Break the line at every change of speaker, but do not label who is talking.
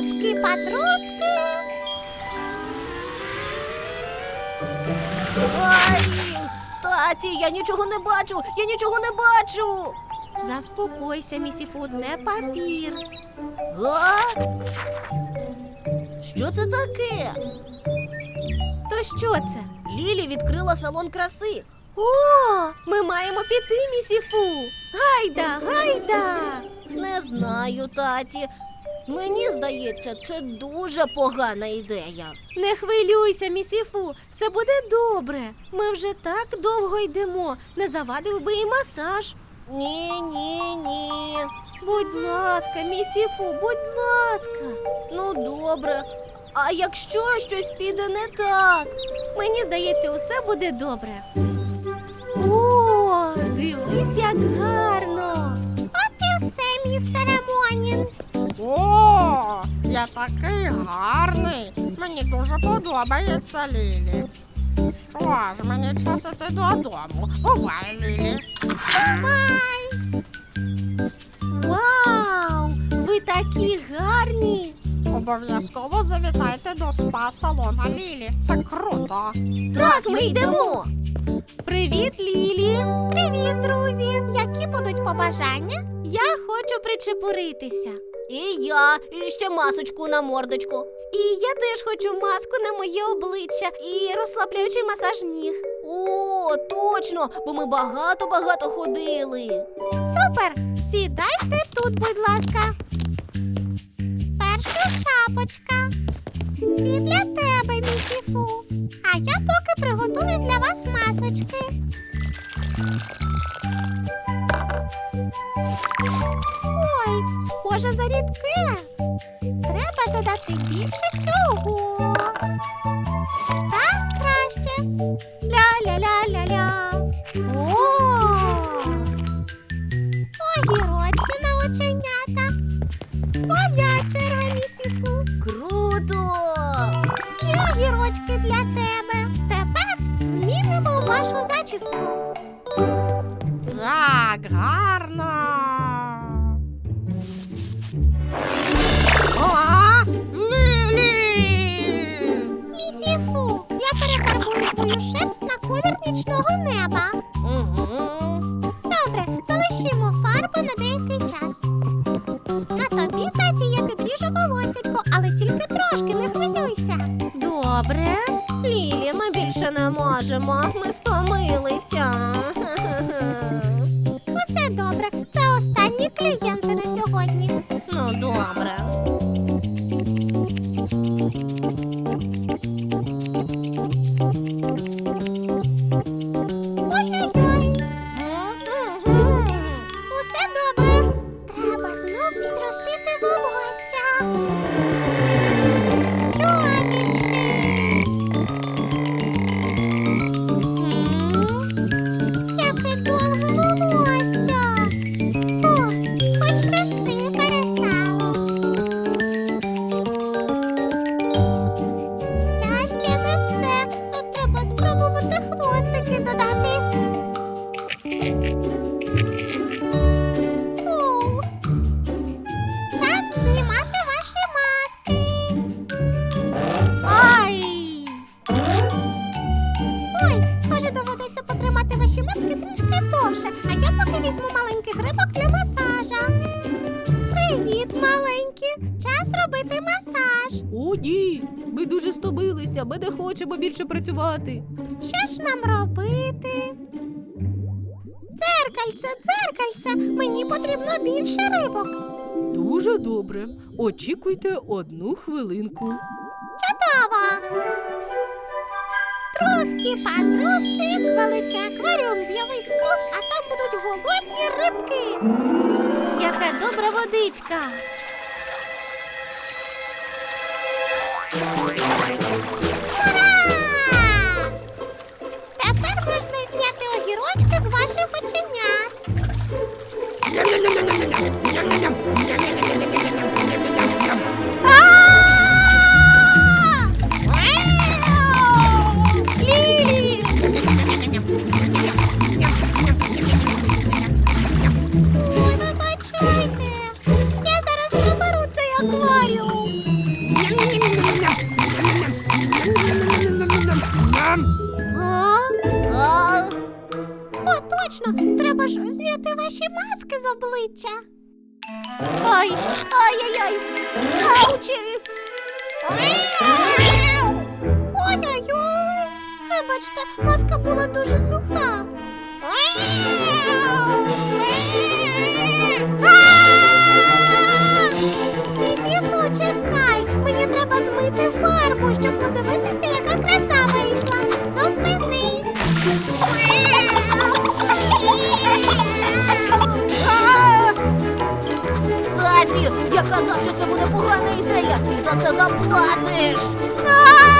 Труски-патруски.
Ай! Таті, я нічого не бачу! Я нічого не бачу!
Заспокойся, місіфу, це папір.
А? Що це таке?
То що це?
Лілі відкрила салон краси.
О, ми маємо піти, місіфу. Гайда, гайда.
Не знаю, таті. Мені здається, це дуже погана ідея.
Не хвилюйся, місіфу, все буде добре. Ми вже так довго йдемо. Не завадив би і масаж.
Ні.
Будь ласка, місіфу, будь ласка.
Ну, добре. А якщо щось піде не так?
Мені здається, усе буде добре. О, дивись, як гарно. От і все, містере Монін.
О, я такий гарний. Мені дуже подобається, Лілі. Що ж, мені час іти додому. Бувай, Лілі.
Бувай! Вау! Ви такі гарні!
Обов'язково завітайте до спа-салона Лілі. Це круто.
Так, ми йдемо.
Привіт, Лілі! Привіт, друзі! Які будуть побажання? Я хочу причепуритися.
І я, і ще масочку на мордочку.
І я теж хочу маску на моє обличчя і розслабляючий масаж ніг.
О, точно, бо ми багато ходили.
Супер! Сідайте тут, будь ласка. Спершу шапочка. І для тебе, місіфу. А я поки приготую для вас масочки. Ой, схоже за рідке. Треба додати більше цього. Так краще. Ля-ля-ля-ля-ля. О! Огірочки на оченята. Моя черга, місіфу.
Круто!
І огірочки для тебе. Тепер змінимо вашу зачіску.
Як гарно. О, Лілі!
Місіфу, я перефарбую твою шерсть на колір нічного неба.
Угу.
Добре, залишимо фарбу на деякий час. А тобі, таті, я підріжу волосятко, але тільки трошки, не хвилюйся.
Добре. Лілі, ми більше не можемо. Ми стомилися.
Усе добре, це останні клієнти на сьогодні.
Ну, добре.
Ой-ой-ой. Усе добре. Треба знов підростити волосся. Чобічки. Яке довге волосся. О, хоч рости перестало. Та ще не все. Тут треба спробувати хвостики додати. Ух. Час знімати ваші маски.
Ай!
Ой, схоже, доведеться потримати ваші маски трішки довше, а я поки візьму маленький грибок для масажа. Привіт, маленькі! Час робити масаж.
О, ні. Ми дуже стомилися. Ми не хочемо більше працювати.
Що ж нам робити? Дзеркальце, дзеркальце, мені потрібно більше рибок.
Дуже добре. Очікуйте 1 хвилинку.
Чудово! Труски-патруски, великий акваріум з'явись тут, а там будуть голодні рибки. Яка добра водичка. Ура! Тепер можна зняти огірочки з ваших оченят. Лілі! Ой, вибачайте. Я зараз приберу цей акваріум. А?
А?
О, точно! Треба ж зняти ваші маски з обличчя.
Ай! Ай-яй-яй! Аучі!
Ой-ой-ой! Вибачте, маска була дуже суха. Місіфу, чекай! Мені треба змити фарбу, щоб подивитися, яка краса вийшла. Зупинись!
А! Таті, я казав, що це буде погана ідея. Ти за це заплатиш.
А!